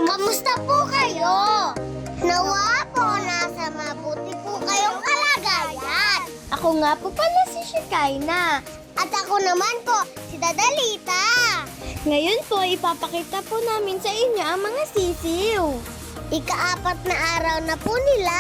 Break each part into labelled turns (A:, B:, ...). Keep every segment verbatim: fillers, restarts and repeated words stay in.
A: Kamusta po kayo? Nawa po nasa mabuti po kayong kalagayan.
B: Ako nga po pala si Shekinah.
A: At ako naman po, si Dadalita.
B: Ngayon po, ipapakita po namin sa inyo ang mga sisiw.
A: Ikaapat na araw na po nila.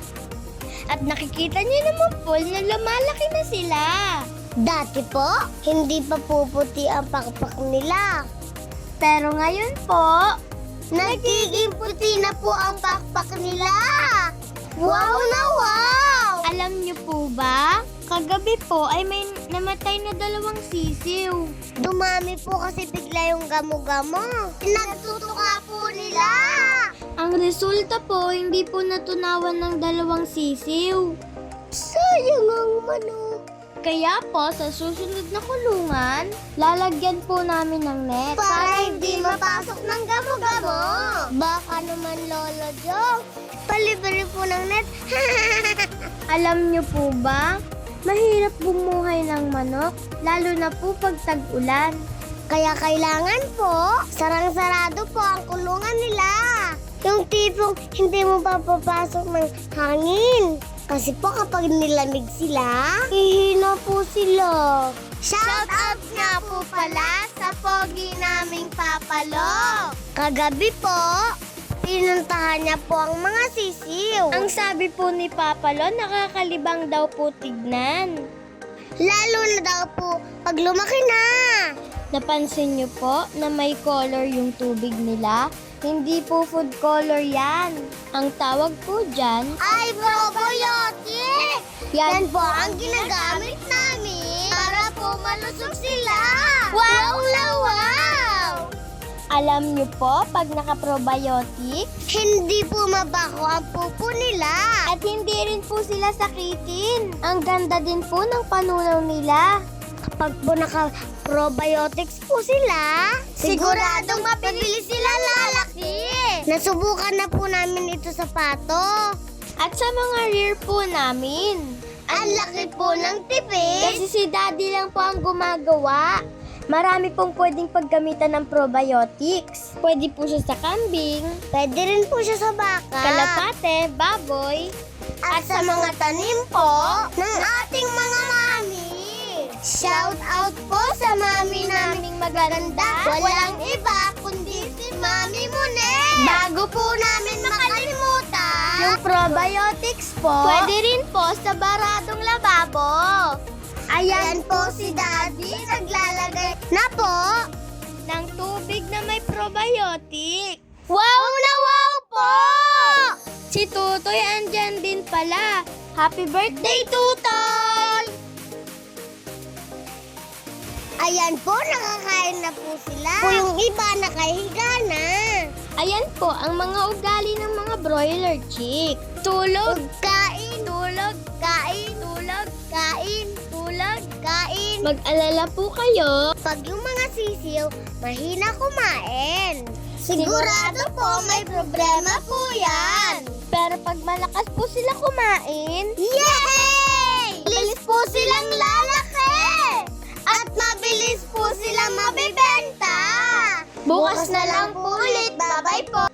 B: At nakikita niyo naman po na lumalaki na sila.
A: Dati po, hindi pa puputi ang pakpak nila.
B: Pero ngayon po,
A: Nagiging puti na po ang pakpak nila. Wow na wow!
B: alam niyo po ba? Kagabi po ay may namatay na dalawang sisiw.
A: Dumami po kasi bigla yung gamo-gamo. Nagtutuka po nila.
B: Ang resulta po, hindi po natunawan ng dalawang sisiw.
A: Sayang ang manok.
B: Kaya po, sa susunod na kulungan, lalagyan po namin ng net.
A: Para hindi mapasok ng gamo-gamo. Baka naman, Lolo Joe. Palibre po ng net.
B: Alam niyo po ba, mahirap bumuhay ng manok, lalo na po pag tag-ulan.
A: Kaya kailangan po, sarang-sarado po ang kulungan nila. Yung tipong hindi mo papapasok ng hangin. Kasi po kapag nilamig sila, hihina po sila. Shout out nga po pala sa pogi naming papalo. Kagabi po, pinuntahan niya po ang mga sisiw.
B: Ang sabi po ni Papa Lo, nakakalibang daw po tignan.
A: Lalo na daw po pag lumaki na.
B: Napansin niyo po na may color yung tubig nila? Hindi po food color yan. Ang tawag po dyan,
A: Ay, probiotic! Yan po ang ginagamit namin para po malusog sila. Wow na wow!
B: alam niyo po, pag naka-probiotic,
A: Hindi po mabaho ang pupo nila.
B: at hindi rin po sila sakitin. Ang ganda din po ng panunaw nila.
A: Kapag po naka-probiotics po sila, siguradong mabilis sila lalaki. Nasubukan na po namin ito sa pato.
B: At sa mga rear po namin.
A: Ang laki po ng tipid.
B: Kasi si Daddy lang po ang gumagawa. Marami pong pwedeng paggamitan ng probiotics. Pwede po siya sa kambing,
A: Pwede rin po siya sa baka.
B: kalapate, baboy.
A: At sa mga tanim po ng ating mga mami. Shout out po sa mami naming magaganda. Walang iba kundi si Mami Monet. Bago po namin makalimutan.
B: Yung probiotics po, pwede rin po sa baradong lababo.
A: Ayan po si Daddy naglalagay na po.
B: Ng tubig na may probiotic.
A: Wow na wow po!
B: Si Tutoy andyan din pala. Happy birthday, Tutoy!
A: Ayan po, nakakain na po sila. Po yung iba nakahiga na.
B: Ayan po ang mga ugali ng mga broiler chick. Tulog,
A: Kain,
B: tulog,
A: kain,
B: tulog,
A: kain,
B: tulog.
A: kain.
B: Mag-alala po kayo.
A: Pag yung mga sisiw, mahina kumain. Sigurado po may problema po yan.
B: Pero pag malakas po sila kumain,
A: Yay! Bilis po silang lalaki! At mabilis po silang mabibenta!
B: bukas na lang po ulit.
A: Bye-bye po!